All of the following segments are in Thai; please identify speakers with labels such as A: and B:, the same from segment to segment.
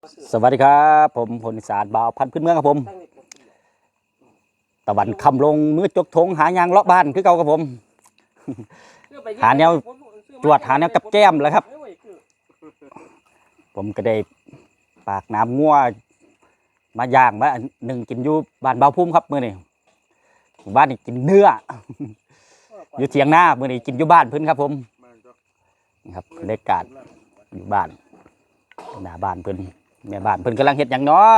A: สวัสดีครับผมพลอีสานบ่าวพันธุ์พื้นเมืองครับผมตะวันคำลงมือจกทงหายางเลาะบ้านคือเก่าครับผมหาแนวจวดหาแนวกับแก้มแล้วครับผมก็ได้ปากน้ำงัวมาย่างมาหนึ่งกินอยู่บ้านเบาพุ่มครับมื้อนี้บ้านนี่กินเนื้ออยู่เถียงหน้ามื้อนี้กินอยู่บ้านเพิ่นครับผมนี่ครับบรรยากาศอยู่บ้านหน้าบ้านเพิ่นแม่บ้านเพิ่นกำลังเฮ็ดหยังเนาะ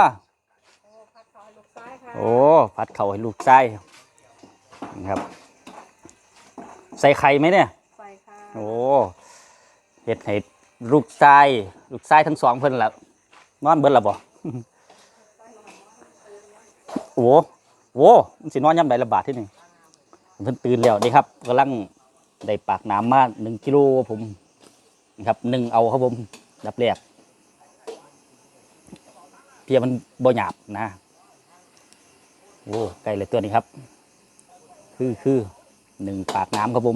A: โอ้ผัดข้าวให้ลูกชายนะครับใส่ไข่ไหมเนี่ยใส่ค่ะโอ้เฮ็ดให้ลูกชายทั้งสองเพิ่นละนอนเบิดละบ่โอ้โหมันสินอนยามใดละบาทที่นี่เพิ่นตื่นแล้วนี่ครับกำลังได้ปากน้ำมา1 กิโลผมนะครับ1เอาครับผมดับแรกเพียมันบ่หยาบนะโอ้ไก่เลยตัวนี้ครับคือ1 ปากน้ำครับผม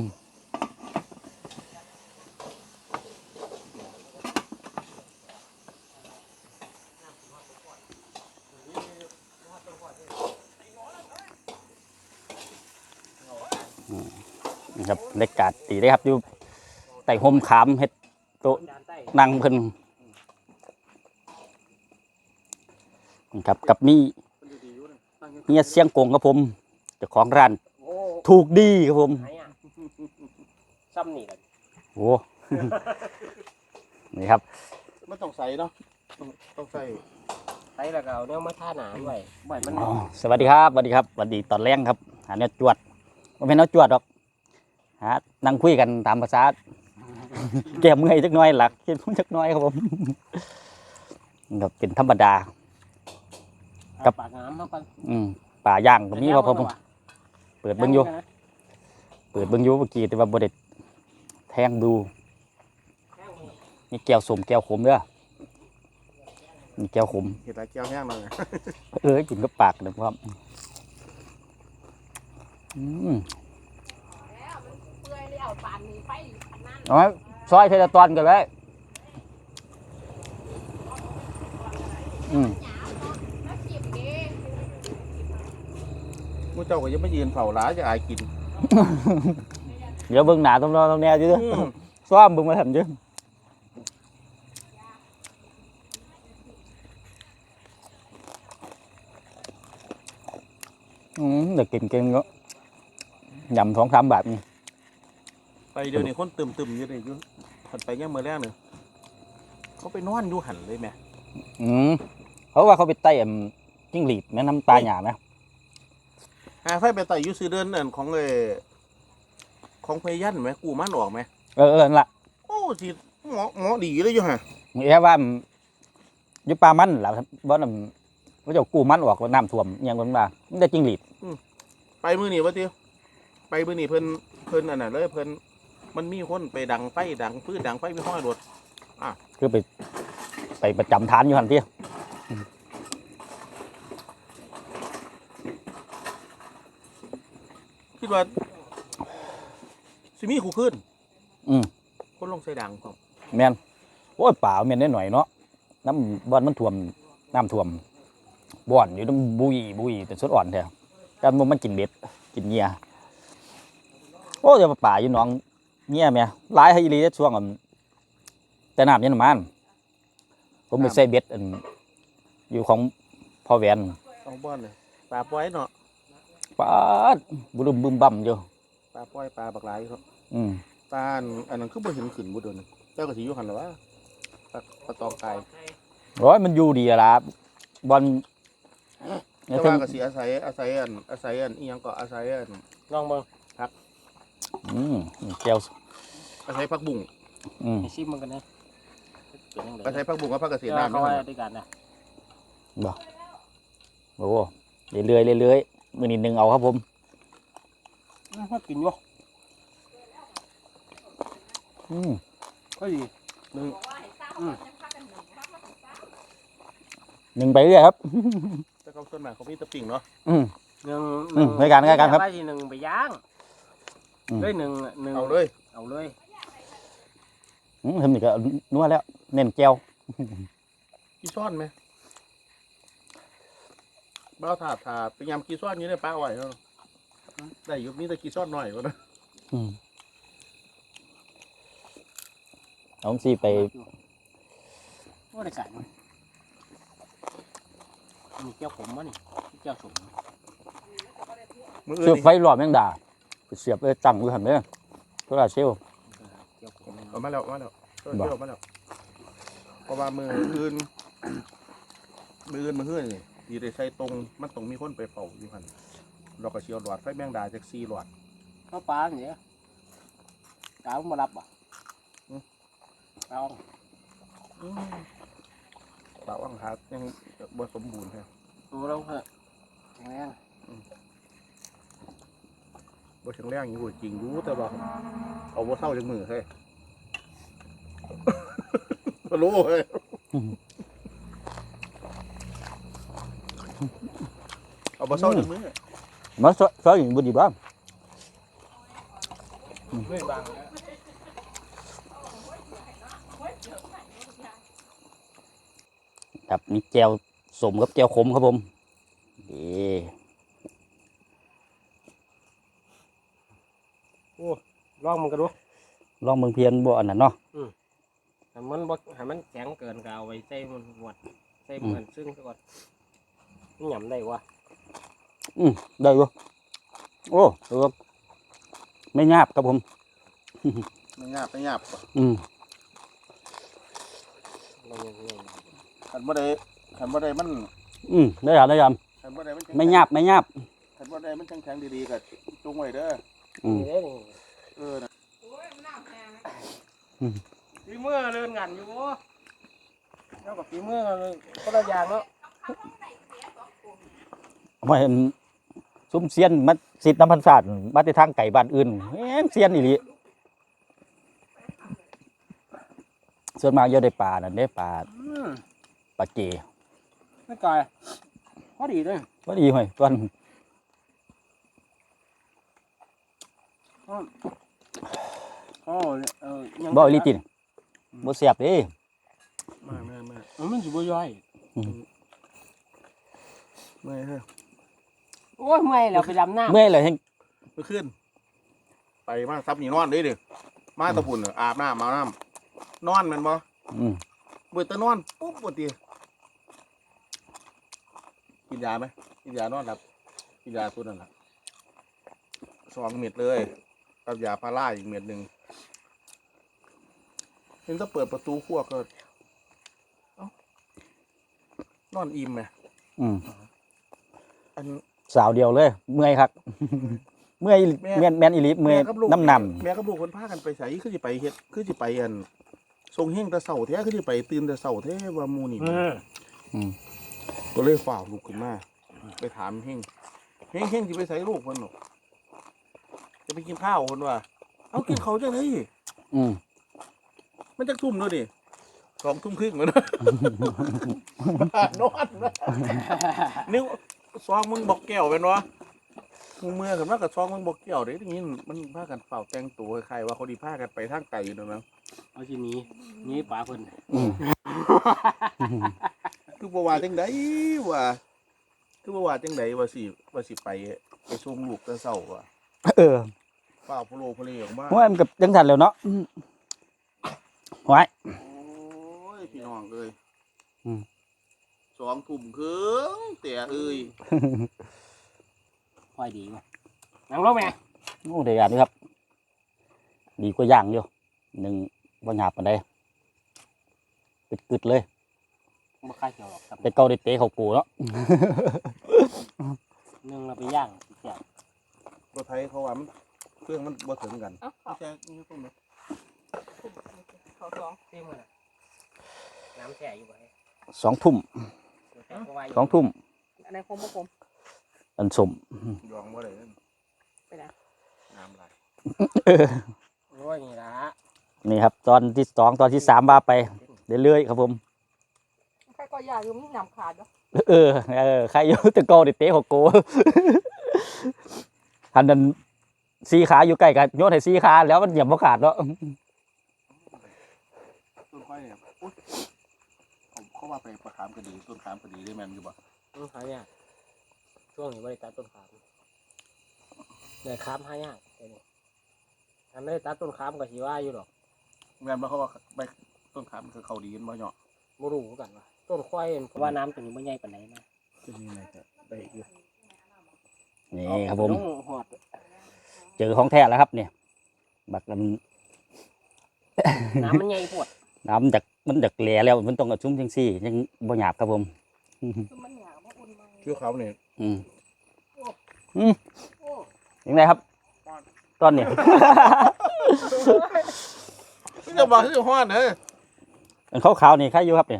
A: นะครับบรรยากาศดีเลยครับอยู่ใต้ห่มขามเฮ็ดโต๊ะนั่งเพิ่นครับกับมีเฮียเสียงกงครับผมเจ้าของร้านถูกดีครับผมซ้ำนี่กันโอ้นี่ครับ
B: ไม่ต้องใส่เนาะต้องใส่
C: แล้วก็เอาเนื้อมาท่าหนาไว้บ่อยมัน
A: สวัสดีครับสวัสดีครับสวัสดีตอนแรกครับหาเนื้อจวดไม่เป็นเนื้อจวดหรอกฮะนั่งคุยกันตามภาษาแก้เมื่อยจักน้อยหลักคิดจักน้อยครับผมกับเป็นธรรมดา
C: กับปากน้ำครับ
A: ป่าย่างก็มีครับผมเปิดเบิ้งอยู่เมื่อกี้แต่ว่าบริเดแทงดูนี่แก้วสมแก้วขมเด้อนี่แก้วขม
B: เห็ดอะไรแก้วแห้ง
A: เลยกินกับปากนะครับเอาซอยเทเลตอนกันเลย
B: มูเจ้าก็ยังไม่ยืนเผาหลาจะอายกิน
A: เดี๋ยวเบิ่งหนาตรงนอนตรงแนวchứซ้อมเบิ่งมาทำchứเด็กกินก็ยำ2-3 บาทนี่
B: ไปเดี๋ยวนี้คนตึมอยู่เลยอยู่ถัดไปเนี่ยมือแรกหนึ่งเขาไปนอนอยู่หันเลยไหม
A: เขาว่าเขาไปไต่จิ้งหรีดแม่น้ำตาหยาไหม
B: ไฟไปไต่ยูซื้อเดินของพยันไหมกูมันออกไหม
A: นั่นแหละ
B: โอ้สิหมอดีเลยอยู่ฮะ
A: แค่ว่ายุปลามันแหละบ่นว่าจะกู้มันออกน้ำท่วมอย่างนั้นมาไม่ได้จิ้งหรีด
B: ไปมือหนีวะเตี้ยไปมือหนีเพิ่นอันนั้นเลยเพิ่นมันมีคนไปดังไฟดังพื้นดังไฟไม่ห้อยรถ
A: คือไปประจำฐานอยู่หันเตี้ย
B: คิดว่าสิมีขู่ขึ้นคนลงใส่ดังครับ
A: แมนโอ้ยป่าแมนได้หน่อยเนาะน้ำบ่อนมันท่วมน้ำท่วมบ่อนอยู่ต้องบุยเป็นสดอ่อนแท้การมันกินเบ็ดกินเงี้ยโอ้ยป่าอยู่น้องเงี้ยแม่หลายให้อีหลีช่วงแต่น้ำยันมันผมไปใส่เบ็ดอยู่ของพ่อแหวน
B: ของบ่อนเลยปลาปล่อยเนาะ
A: ปลาบุรุมบึมบั่มอยู่
B: ปลาปล่อยปลาบักหลายครับปลาอันนั้นคือบ่เห็นขึ้นบ่โดนเจ้าก็สิอยู่หันหรอวะปลาตองไก่
A: ร้อยมันอยู่ดีละบอล
B: แต่ว่าก็สิอาศัยอีหยังก็อาศัย
C: ลองเบิ่ง
B: ครับ
A: แก้ว
B: อาศัยผักบุ้ง
C: ชิมมันกันนะ
B: อาศัยผักบุ้งกับผักกระเทียมน้ำ
C: เข้าไว้ด้วยกันนะ
A: บ่โอ้เรื่อยมือนิดนึงเอาครับผม
C: กินอยู่ก็ดี
A: หนึ่งไปเรื่อยครับ
B: แต่เขาต้นหมากเขามีตะปิ่งเนาะ
C: หนึ่ง
A: ในการครับ
C: ไปหนึ่งไปย่างด้วยหนึ่ง
B: เอาเลย
A: ทำนี่ก็นัวแล้วเน้นแก้ว
B: กิขี้ซ่อนไหมบ้าวถาดไปยำขี้ซ่อนอยู่ในปลาไหวเนาะได้อยู่นี่แต่ขี้ซ่อนหน่อยวะนะ
A: อืมเอาสิไป
C: โอ้ได้การมั้ยมีเจ้าขมมั้ยนี่เจ้าสม
B: มือ
A: เสื
B: อื่
A: อน ไฟหลอดแมงดาไปเสียบตั้งอยู่หันเด้อโซลาร์เซลล์
C: เจ้าขม
B: เอามาแล้วเที่ยวมาแล้วเพราะว่ามืออื่นมือนี่ดีได้ใส่ตรงมันต้องมีคนไปเป่าอยู่หันเราก็เชียวหลอดไฟแมงดาจาก4 หลอด
C: ข้าวปลาเนี่ยกาวมารับอ่ะกาว
B: ปลาว่างหายังบ่สมบูรณ์แท้
C: ตัวเราเหอะแข็งแรง
B: บ่แข็งแรงอยู่จริงรู้แต่ว่าเอาบ่เศร้าจากมือเฮ้ย บ่รู้เฮ้ยเอาบ่เศร้าจากมือ
A: มาซอยอย่างบุดีบ้าง
C: ไม่บางแล้ว
A: ครับมีแจวสมกับแจวขมครับผมนี่
C: ลองมันกันดู
A: ลองเมืองเพียนบ่อันนั้นเนาะ
C: ให้มันบ่ให้มันแข็งเกินก็เอาไว้ใส่มันหวดใส่เหมือนซึ่งซะก่อนมันหย่ำได้วะ
A: ได้บ่โอ้ดูครับไม่หยาบครับผม
B: ไม่หยาบ
A: อืม
C: เรายังไง
B: คันบ่ได้มัน
A: ได้ครับได้ครับ
B: คันบ่ได้มัน
A: ไม่หยาบไม่หยาบ
B: คันบ่ได้มันแข็งๆดีๆก็จุงไว้เด้อ
C: นี่เด้นี่
B: เออนะ
C: ฝีมือเดินงานอยู่บ่แล้วกับฝีมือก็ละอย่างเนาะ
A: ไม่เห็นซุ้มเซียนมาสิทธิ์น้ำพันศาสตร์มาแต่ทางไก่บ้านอื่นแม่นเซียนอีหลีส่วนมากเยอะได้ปลานั่นได้ปลาเก
C: ไม่ไกลพอดีเลย
A: ก็ดีห่วยตอน
C: อ๋อยัง
A: บ่อีหลีตินบ่เสียบเด้
B: มา
C: มันสิบ่ย่อย
B: ไม่เฮ้ย
C: โอ้ยเมื่อยแล้วไปดำน้ำ
A: เมื่อยเลยแฮง
B: เมื่อคืนไปมาซับนี่นอนดิมาตะพุ่นอาบน้ำมาน้ำนอนแม่นบ่
A: อืม
B: เบิดแตะนอนปุ๊บบ่ติกินยาไหมกินยานอนหลับกินยาตัวนั้นล่ะ2 เม็ดเลยกับยาพาราอีกเม็ดหนึงเห็นถ้าเปิดประตูครัวก็เอ้านอนอิ่มไหม
A: อืม
B: อัน
A: สาวเดียวเลย เมื่อยครับ เมื่อยแม่นอีหลีเมื่อย
B: กับลูก
A: น้ำน
B: แม่กับลูกคนพากันไปใส่คือสิไปเฮ็ดคือสิไปอันทรงเฮงแต่เช้าแท้คือสิไปตื่นแต่เช้าแท้ว่าหมู่นี่ ก็เลยฝ่าลูกขึ้นมาไปถามเฮงสิไปใส่ลูกเพิ่นหรอกจะไปกินข้าวเพิ่นว่าเอากินข้าวจังได๋
A: ำอืม
B: มันจักทุ่มเนาะดิ2 ทุ่มครึ่งแล้วนะนอนนะนิ้วซองมึงบอกแก้วเป็นวะมึงเมื่อกันว่ากับซองมึงบอกแก้วเด้ทีนี้มันพากันเฝ้าแต่งตัวคล้ายๆว่าเขาดีพากันไปทางไกลอยู่นั่นนะ
C: เอาทีนี้นี่ปลาเพิ่น
A: อืม
B: คือบ่ว่าจังไดว่าคือบ่ว่าจังไดว่าสิไปส่งลูกแต่เช้าว่ะ
A: เออ
B: ฝ้าวโพโลโพเลออกมา
A: โอ้ยมันกับจังสันแล้วเนาะไว้
B: โอ้ยพี่น้องเอ้ย
A: อืม
B: 2 ทุ่มครึ่งแต่เอ้ย
C: ค่อยดีว่ะนั่งลงแม่
A: โอ้เดี๋ยวนี้ครับ ดีกว่าย่างอยู่หนึ่งบ่หยาบปานใดกึดๆเลย
C: บ่ค่าเขียวหรอกครับ
A: แต่เกาได้เตะเขากูเนาะ
C: นึงเราไปย่างแซ่บ
B: ตัวไทยเขาว่ามันเครื่องมันบ่ถึงกัน
D: เอ้า
B: ไม่ใช่นี่ตรงนี้
D: เขาสอง
C: เต็มเลยน้ำแช่อยู่ไว้
A: 2 ทุ่ม 2 ทุ่ม
D: อันไหนคมบ่คม
A: อันสม
B: ยองบ่ได้เด้อ
D: ไปนะ
B: น้ำไหล
C: โอ้ยนี่ละ
A: นี่ครับ ตอนที่2ตอนที่3ว่าไปเรื่อยๆครับผม
D: ใครก็อยากอยู่มีน้ำขาดเนาะ
A: ใครอยู่แต่เกาได้เตะเขากู อันนั้นสีขาอยู่ใกล้กันโยนให้สีขาแล้วมันเหยียบบ่ขาดเนาะ
B: ต้นไม้เนี่ยอุ๊ยเขาว่าไปประคามกระดีต้นขามกระดีได้แม่นอยู่บ่
C: หายากช่วงนี้บริตัดต้นขามเลยขามหายากเดี๋ยวนี้ถ้าไม่ได้ตัดต้นขามก็สิว่าอยู่หรอก
B: แม่นบ่เขาว่าไปต้นขามคือเขาดีกันบ่เนาะ
C: บ่รู้คือกันว่าต้นควายเพราะว่าน้ำตัวนี้มันใหญ่ปานไหนนะ
B: จะมีอะไรก็ได้อยู่
A: นี่ครับผม
C: ลงหอด
A: เจอของแท้แล้วครับเนี่ยบักมัน
C: น้ำมันใหญ่ปวด
A: น้ำมันจากแหล่แล้วมันต้องกระชุ่มจังซี่ยังบ่หยาบครับผม
D: คือมันหยาบมันอุ่นมา
B: คือเขาเนี่ย
A: อืมยังไงครับตอนนี้
B: จะบอกคือฮ้อนเด้อ
A: อันขาวๆนี่ใครอยู่ครับเนี่ย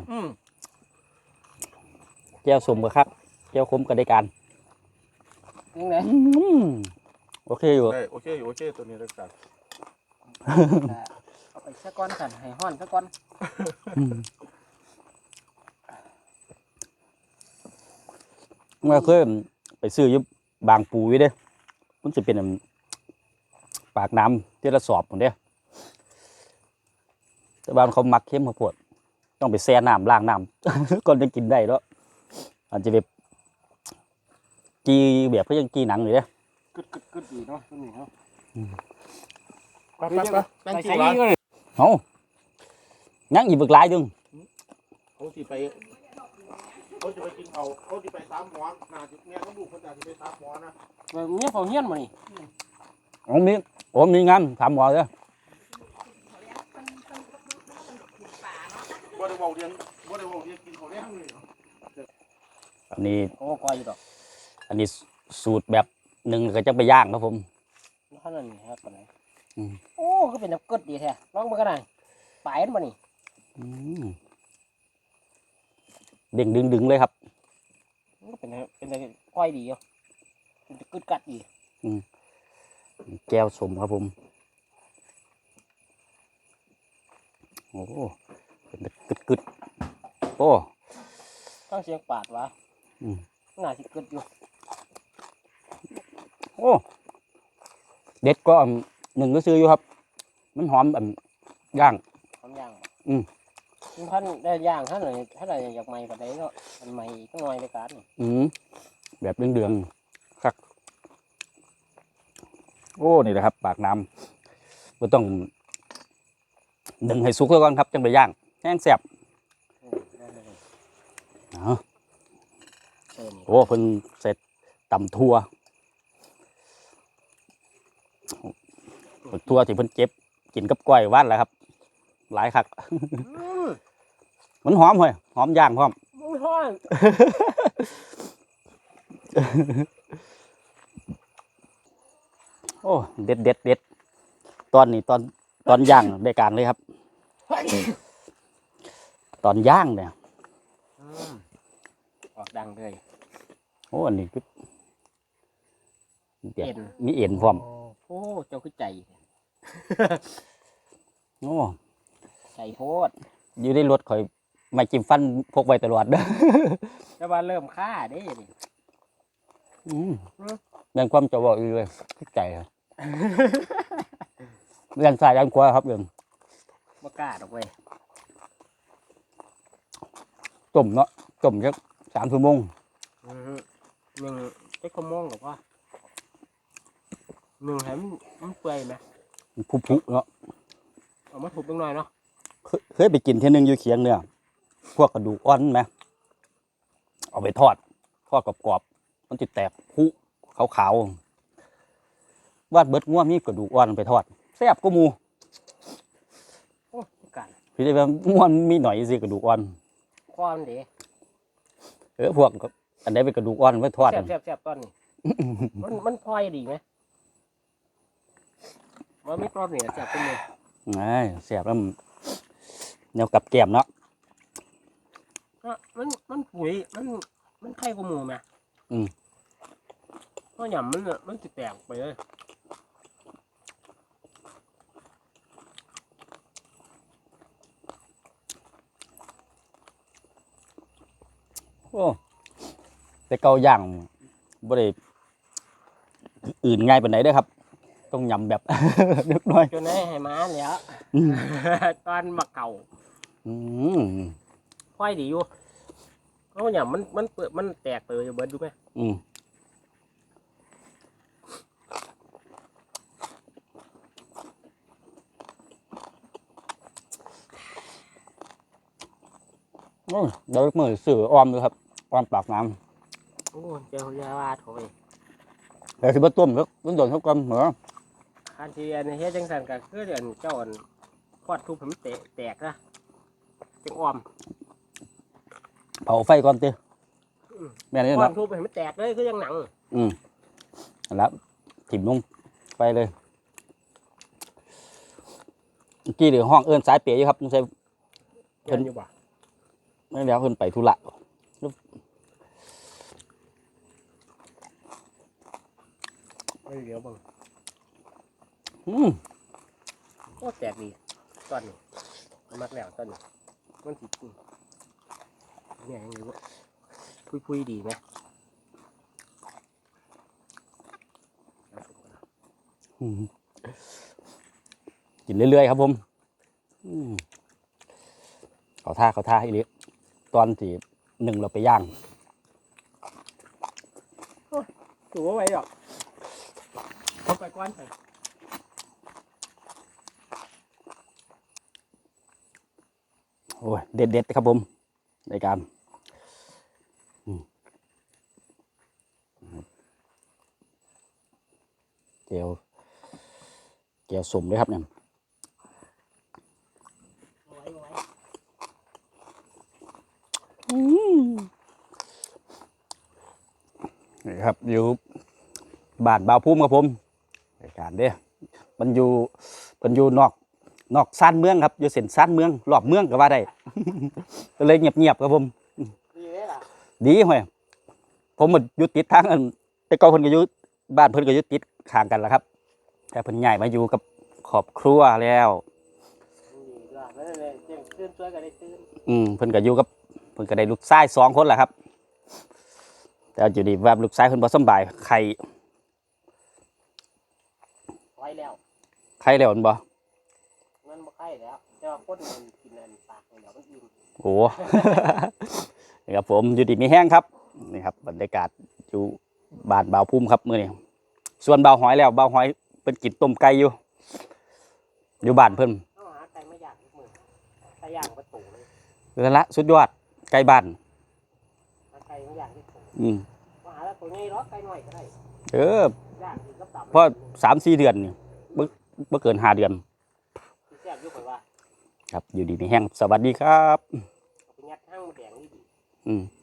A: แก้วสมกับครับแก้วคมกับได้การ
C: ยังไง
A: โอเคอยู่
B: ได้โอเคอยู่โอเคตัวนี้รักษา
C: เอาไปซะก้อนกันให้ห้อนซะก้อน
A: เมื่อเคยไปซื้ออยุบบางปูอยู่เด้มันจะเป็นอันปากน้ำที่ละสอบผมเด้แต่บ้านเขามักเข้มข้าวโพดต้องไปแช่น้ำล้างน้ำ ก่อนจะกินได้แล้วอาจจะแบบกีแบบเพื่อยังกีหนังอยู่เด้
C: กึดดีเนาะตัวนี้เนาะ
B: ไปตั้ง
C: ใส่
B: ชื่อ
C: ใส่
B: ร้าน
C: นี่เลย
A: เอายังอีกบึกหลายดึง
B: เขาสิไปเขาจะไปกินเขาเขาจะไปตามหมอน่าจะแม่เขาดูเขาจะไปตามหมอนะ
C: เมียเฝ้าเฮียนมานี่
A: มีงานถามหมอเลย
B: บ่ได้บอกเรียนบ่ได้บอกเรียนกินเขาแน่เลย
A: อันนี้
C: โอ้ก้อยอยู่ดอก
A: อันนี้สูตรแบบหนึ่งก็จะไปย่างครับผม
C: เท่านั้นนี่ครับปานไหน
A: อืม
C: โอ้ก็เป็นน้ำกึดดีแท้ลองมากันหน่อยปลายมันมานี่
A: เด้งดึงเลยครับ
C: มันก็เป็นก้อยดีอยู่เป็นกึดกัดดี
A: แก้วสมครับผมโอ้เป็นกึดโอ้
C: ต้องเสียงปาดวะ
A: อืม
C: น่าสิกึดอยู่
A: โอ้เด็ดก็หนึ่งก็ซื้ออยู่ครับ มันหอมแบบย่าง
C: ทำย่าง
A: อืม
C: ท่านได้ย่างท่านไหนอยากใหม่กว่าใดเนาะมันใหม่ก็น้อยในการนี่
A: แบบเดืองๆครับโอ้นี่แหละครับ ปากน้ำก็ต้องดึงให้สุกแล้วก่อนครับจังไปย่างแห้งแซ่บ
C: ได้เลย
A: เอา
C: นี่
A: โอ้เพิ่นเสร็จตำทั่วทั่วที่เพิ่นเจ็บกินกับก้อยว่านแหละครับ หลายคัก มันหอมเฮ้ยหอมย่างพร้อม
C: มึงห้อน
A: โอ้เด็ดตอนนี้ตอนย่างได้การเลยครับ ตอนย่างเนี่ย
C: ออกดังเลย
A: โอ้อันนี้คือเด็ด
C: เอ็น
A: มีเอ็นพร้อม
C: โอ้เจ้าคือใจ
A: โอ้
C: ใจโพด
A: อยู่ในรถข่อยไม่จิ้มฟันพกไว้ตลอดเด้อ
C: แต่ว่าเริ่มฆ่าได้ดิ
A: แม่นความจะบอกอีกเลยคิดใจครับ เรียนสายเรียนขวาครับเรียน
C: บ่กล้าดอกเว้ย
A: ต้มเนาะต้มสัก3 ชั่วโมง
C: หนึ่งไอ้ขโมงหรอวะหนึ่งให้มันเปื่อยไหม
A: ผุเนาะ
C: เอามาถูกตรงหน่อยเนาะ
A: เคยไปกินเที่ยนึงอยู่เคียงเนี่ยพวกกระดูกอ่อนไหมเอาไปทอดกรอบๆมันจะแตกผุขาวๆวาดเบิดง่วมีกระดูกอ่อนไปทอดแซ่บก็มู
C: โอ้กัน
A: พี่ได้ว่าง่วมีหน่อยสิกระดูกอ่อน
C: ความเด๋
A: พวกอันใดเป็นกระดูกอ่อนไปทอด
C: แซ่บตอนนี้ มันพลอยดีไหมว่าไม่กรอบเนี่ยแซ่บเป็นเลย
A: แซ่บแล้วแนวกับแก้มเนาะ
C: มันปุ๋ยมันไข่กว่าหมูไหมเพราะหยำมันจะแตกไปเลย
A: โอ้แต่เกาย่างบ่ได้อื่นง่ายปานไหนเด้อครับ ต้องยำแบบ เล็กน้อย
C: จนให้ม้าแล้วตอนมาเก่า
A: อืม
C: ค่อยดีอยู่เขาเนี่ยมันเปิดมันแตกไปเบิดดูไหม
A: อืมโอ้ยเดี๋ยวมือสื่อออมเลยครับออมปากน้
C: โอ้เจ้ายาวาถอย
A: ำเดี๋ยวสิบต้มแล้วมันโดนเขากำเหรอ
C: คันที่อันเฮ็ดจังสันก็คือเดือนเจ้าอันพอดทุบผมแตกนะจังอ้อม
A: เผาไฟก่อนเต้แม่นี่
C: พอด
A: เนาะ
C: ทุบให้มันแตกเลยคือยังหนัง
A: แล้วถิ่มลงไปเลยเมื่อกี้เดี๋ยวห้องเอิ้นสายเปียอยู่ครับไม่ใช่
C: เพิ่นอยู่บ่
A: ไม่แล้วเพิ่นไปธุระ
C: ไม่เดี๋ยวเบิ่ง
A: อืม
C: โอ้แตกดีตอนนี้มักแล้วตอนนี้มันสิเนี่ยยังไงวะพุยๆดีไหม
A: อืมกินเรื่อยๆครับผมอืมเขาท่าอีเล็กตอนที่หนึ่งเราไปย่าง
C: ถูกว่าไว้หรอกเอาไปก้อนไป
A: โอ้ยเด็ดๆครับผมในการเกียวสมเลยครับเนี่ย
C: เอาไว้
A: นี่ครับอยู่บ้านบ่าวพุ่มครับผมในการเด้มันอยู่นอกซ่านเมืองครับอยู่เส้นซ่านเมืองรอบเมืองก็ว่าได้ ก็เลยเงียบๆครับผม
C: ดีเลยล่ะ
A: ดีห่วยผมมันอยู่ติดทางอันแต่ก่อนเพิ่นก็อยู่บ้านเพิ่นก็อยู่ติดข้างกันแหละครับแต่เพิ่นย้ายมาอยู่กับครอบครัวแล้ว
C: ดีล่ะนั่นแหละเที่ยงตื่นตัวก็ได้ตื่น
A: เพิ่นก็อยู่กับเพิ่นก็ได้ลูกชาย2 คนแหละครับ แต่อยู่ดีว่าลูกชายเพิ่นบ่สำบายไข้
C: ไว้แล้ว
A: แล้วมันบ่
C: มันบ่ไข่แล้วแต่ว่าคนมันกินอันปากเดี๋ยวมันอิ่ม
A: โอ้ นี่ครับผมอยู่ดีมีแห้งครับนี่ครับบรรยากาศอยู่บ้านบ่าวพุ่มครับมื้อนี้ส่วนบ่าวหอยแล้วบ่าวหอยเพิ่นกินต้มไก่อยู่บ้านเพิ่น
C: เอาหาไก่มาย่างทุกมื้อไก่ย่างประตูเลย
A: นั่นละสุดยอดไก่บ้าน
C: หาไก่มาย่างที่ตู
A: อืม
C: มาหาแล้วตัวใหญ่หรอกไก่น้อยก็ได้
A: ย่
C: างกินกับตับ
A: เพราะ3-4 เดือนนี่บ่เกิน5 เดือน
C: แซ่บอยู่ข่อยว่า
A: ครับอยู่ดีมีแห้งสวัสดีครับ
C: เอาไปยัดห้างแดงนี่ดี
A: อืม